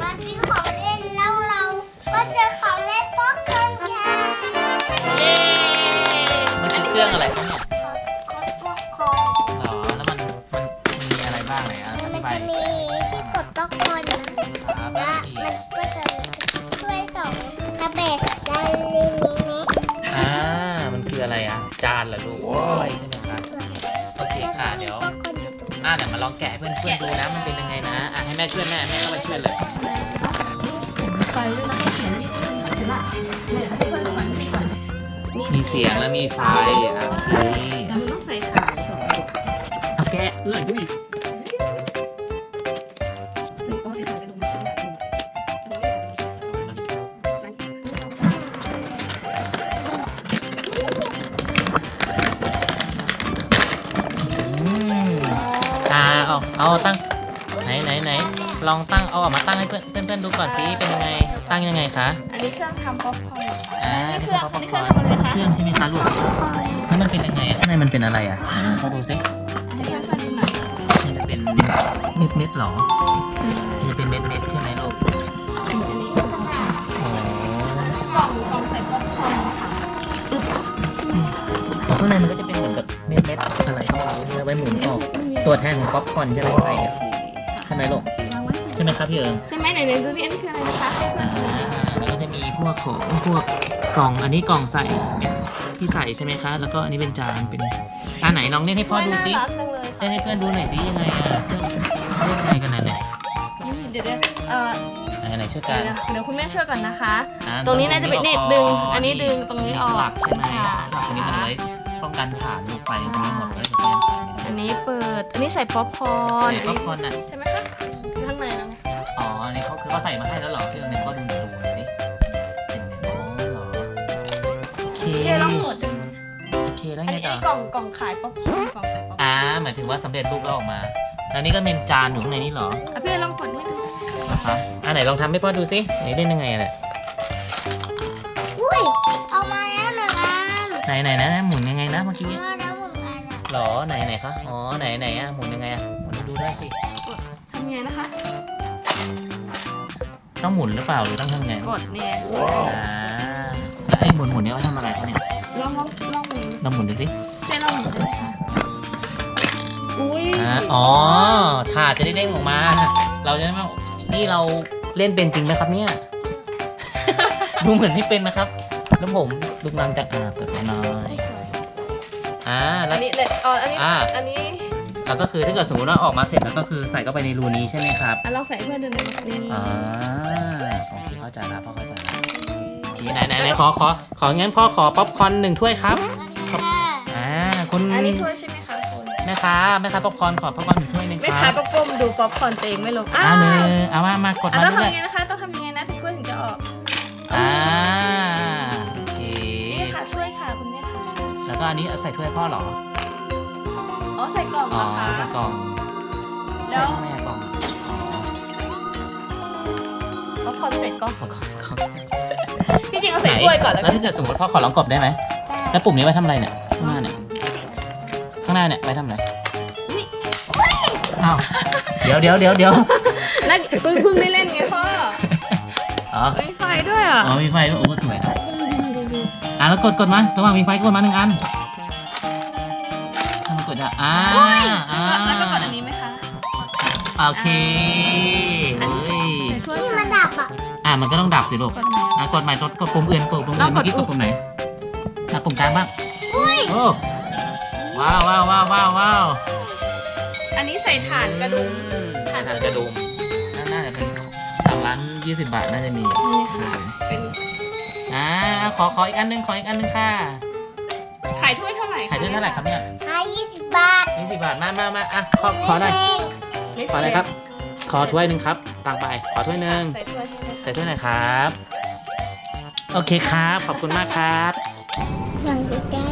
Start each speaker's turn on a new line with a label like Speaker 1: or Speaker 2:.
Speaker 1: มาซื้อของเล่นแล้วเราก็เจอของเล่นป๊อปคอร์นค่ะ
Speaker 2: เย้มันเป็นเครื่องอะไรครับเนี่ย
Speaker 1: ป๊อปคอร์น
Speaker 2: หรอแล้วมันมีอะไรบ้างไหนอ
Speaker 1: มัน
Speaker 2: ธิบาย
Speaker 1: จะมีที่กดป๊อปคอร์นนะ
Speaker 2: ครับแล้
Speaker 1: และ
Speaker 2: วอีก
Speaker 1: มันก็จะช่วยส่งคาเบะและลิมิเนะ
Speaker 2: มันคืออะไรอ่ะจานเหรอลูกใช่ไหมครับโอเคค่ะเดี๋ยว
Speaker 1: ป๊อปคอร์นอยู่ตรงนี้
Speaker 2: เดี๋ยวมาลองแกะให้เพื่อนๆดูนะมันเป็นยังไงนะให้แม่ช่วยแม่เข้าไปช่วยเลย
Speaker 3: ไฟด้วยนะเขียนนี่เห็นปะเนี่ยให้เพื่อนดูก่อน
Speaker 2: มีเสียงแล้วมีไฟโอเค
Speaker 3: แล้วมันต้องใส่ขาสองจุด
Speaker 2: เอาแกะเลยอุ้ย
Speaker 3: ต้องใส่ขาไปตรงนี้
Speaker 2: เอาตั้งไหนลองตั้งเอาออกมาตั้งให้เพื่อนดูก่อนสิเป็นยังไงตั้งยังไงคะ
Speaker 3: อันนี้เครื่องทำป๊อปคอร์น
Speaker 2: นี่
Speaker 3: เครื่อง
Speaker 2: ป๊อป
Speaker 3: นี่
Speaker 2: ค
Speaker 3: เค
Speaker 2: อ
Speaker 3: รื่อง
Speaker 2: ร์น
Speaker 3: ทำอะไรคะ
Speaker 2: เครื่องใช่ไหมคะลูกแล้วมันเป็นยังไงข้างในมันเป็นอะไรขอดูสิ
Speaker 3: ให้เพื่อนๆดูหน่อย
Speaker 2: มันจะเป็นเม็ดหรอมันจะเป็นเม็ดใช่ไหมลูก
Speaker 3: อันนี้
Speaker 2: อ๋อก
Speaker 3: ล่องใส่ป๊อปคอร์นค่ะ
Speaker 2: ข้างในมันก็จะเป็นเหมือนกับเม็ดอะไรก็ไม่รู้ไว้หมุนออกตัวแทนของป๊อปคอร์นใช่ไหมข้างในเนี่ยใช่ไหมลูก
Speaker 3: วางไว้
Speaker 2: ใช่ไหมครับพี่เอิง
Speaker 3: ใช่ไหมไหนๆดูนี่อันนี้คืออะไรนะคะให้เพื่อนๆดูหน่อย
Speaker 2: แล้วก็จะมีพวกของพวกกล่องอันนี้กล่องใส่เป็นที่ใส่ใช่ไหมคะแล้วก็อันนี้เป็นจานเป็นไหนลองเล่นให้พ่อดูสิ
Speaker 3: น่ารักจังเลยค่ะ
Speaker 2: เล่นให้เพื่อนดูหน่อยสิยังไงเล่นยังไงกันไหน
Speaker 3: เดี๋ยว
Speaker 2: ไหนช่วยกัน
Speaker 3: เดี๋ยวคุณแม่ช่วยก่อนนะคะ
Speaker 2: อ่า
Speaker 3: ตรงนี้น่าจะเป็นนี่ดึง อันนี้ดึงตรงนี้ออก
Speaker 2: สลักใช่ไหม
Speaker 3: ค่ะ
Speaker 2: สลักตรงนี้มันไว้ป้องกันฐานลูกไฟตรงนี้หมดเลยเดี๋ยวเพื่อน
Speaker 3: อันนี้เปิด อันนี้ใส่ป๊อปคอร์น
Speaker 2: ใส่ป๊อปคอร์นน่ะ
Speaker 3: ใช่ไหมคะคือข้างในแล้วไง
Speaker 2: อ๋ออันนี้เขาคือเขาใส่มาให้แล้วเหรอชื่อเนี่ยก็ดูหน่อยสิเป็นไงอ๋อเหรอโอเค
Speaker 3: เดี๋ยวลองหมด
Speaker 2: โอเคแล้ว
Speaker 3: อัน
Speaker 2: ไง
Speaker 3: นี้
Speaker 2: ต่อ
Speaker 3: กล่องขายป๊อปคอร์นกล่องใส่ป๊อปคอร์น
Speaker 2: หมายถึงว่าสำเร็จรูปแล้วออกมา แล้วนี่ก็เป็นจานอยู่ข้างในนี่เหรอ
Speaker 3: พี่ลองกดให้ดู
Speaker 2: นะคะไหนลองทำให้พ่อดูสิไหนเล่นยังไงอะเนี่ย
Speaker 1: อุ้ยเอามาแล้วเหรอคะ
Speaker 2: ไหนนะหมุนยังไงนะเมื่อกี้
Speaker 1: เอาแล้วหมดแล้ว
Speaker 2: หรอไหนคะอ๋อไหนอะหมุนยังไงอะหมุนให้ดูด้วยสิ
Speaker 3: ทำไงนะคะ
Speaker 2: ต้องหมุนหรือเปล่าหรือต้องทำไง
Speaker 3: กดเนี่ย
Speaker 2: แล้วไอ้หมุนเนี่ยเขาทำอะไรเขาเนี่ย
Speaker 3: ลองหมุน
Speaker 2: เราหมุนดูสิ
Speaker 3: เจ๊ลองหมุนดูค่ะอุ้ย
Speaker 2: อ๋อถาดจะได้เด้งออกมา เราจะไม่นี่เราเล่นเป็นจริงไหมครับเนี่ย ดูเหมือนที่เป็นนะครับ แล้วผมลูกน้ำจากเปิดหน่อยแล้
Speaker 3: อั
Speaker 2: วน
Speaker 3: นี้เลยอันนี้
Speaker 2: แล้วก็คือถ้าเกิดสมมติว่าออกมาเสร็จแล้วก็คือใส่เข้าไปในรูนี้ใช่ไหมครับ
Speaker 3: ลองใส่เพื่อนดูหน่อยนี่
Speaker 2: โอเคเข้าใจแล้วพ่อเข้าใจแล้วโอเคไหนของั้นพ่อขอป๊อปคอร์น1 ถ้วยครับ
Speaker 1: ค่ะ
Speaker 2: คุณ
Speaker 3: อันนี้ถ้วยใช่ไหมคะคุณ
Speaker 2: แม่ค้าป๊อปคอร์นขอป๊อปคอร์น1 ถ้วยหนึง
Speaker 3: แม่
Speaker 2: ค
Speaker 3: ค้า
Speaker 2: รับ
Speaker 3: ก็ก้มดูป๊อปคอร์นเตงไม่ลง
Speaker 2: เอามากดมา
Speaker 3: ต้อง
Speaker 2: เรื่
Speaker 3: ทำ
Speaker 2: อย
Speaker 3: ยังไงนะคะ ต้องทำยังไงนะถึงกล้วยถึงจะออก
Speaker 2: โอเค
Speaker 3: นี่ค่ะช่วยค่ะคุณแม่ค่ะ
Speaker 2: แล้วก็อันนี้ใส่ถ้วยพ่อเหรอ
Speaker 3: อ๋อใส่กล่อง
Speaker 2: อ๋อ
Speaker 3: นะคะ
Speaker 2: ใส่กล่อง
Speaker 3: แล้
Speaker 2: ใส่
Speaker 3: ว
Speaker 2: แม่กล่อง
Speaker 3: ป๊อปคอร์นใส่กล่อง
Speaker 2: กล่อง
Speaker 3: ที่จริงเอาใส่ถ้วยก่อนแล้ว
Speaker 2: แล้วถ้าเกิดสมมติพ่อขอลองกดได้ไหมแล้วปุ่มนี้ไว้ทำอะไรเนี่ยข้างหน้าเนี่ยไว้ทำอะไรอ้าวเดี๋ยว
Speaker 3: นั่นเพิ่งได้เล่นไงพ่อ
Speaker 2: อ๋อ
Speaker 3: มีไฟด้วยอ่ะ
Speaker 2: มีไฟด้วยโอ้สวยนะแล้วกดมาระหว่างมีไฟกดมา1 อันถ้ามันกดได้
Speaker 3: แล้วก็กดอันนี้ไหมคะ
Speaker 2: โอเคเฮ้ย
Speaker 3: ใส่ถ้วย
Speaker 1: นี่
Speaker 3: ค่ะ
Speaker 1: มันดับอ่ะ
Speaker 2: มันก็ต้องดับสิลูก
Speaker 3: กดไหน
Speaker 2: กดใหม่กดปุ่มอื่นเมื่อกี้กดปุ่มไหนปุ่มกลางบ้างโอ้ว้าว
Speaker 3: อันนี้ใส่ถ่านกระดุม
Speaker 2: ถ่านกระดุมน่าจะเป็นตามร้าน20 บาทน่าจะมี
Speaker 3: นี่ค่ะเป็น
Speaker 2: ขออีกอันนึงค่ะ
Speaker 3: ขายถ้วยเท่าไหร่
Speaker 2: ขายด้วยเท่าไหร่ครับเนี่ย
Speaker 1: ให้20 บาท
Speaker 2: 20 บาทมาขอหน่อย ขออะไรครับ ขอถ้วยหนึ่งครับตังไปขอถ้วยหนึ่ง
Speaker 3: ใส่ถ้วยให้เลย
Speaker 2: ใส่ถ้วยหน่อยครับโอเคครับขอบคุณมากครับ
Speaker 1: หลังจาก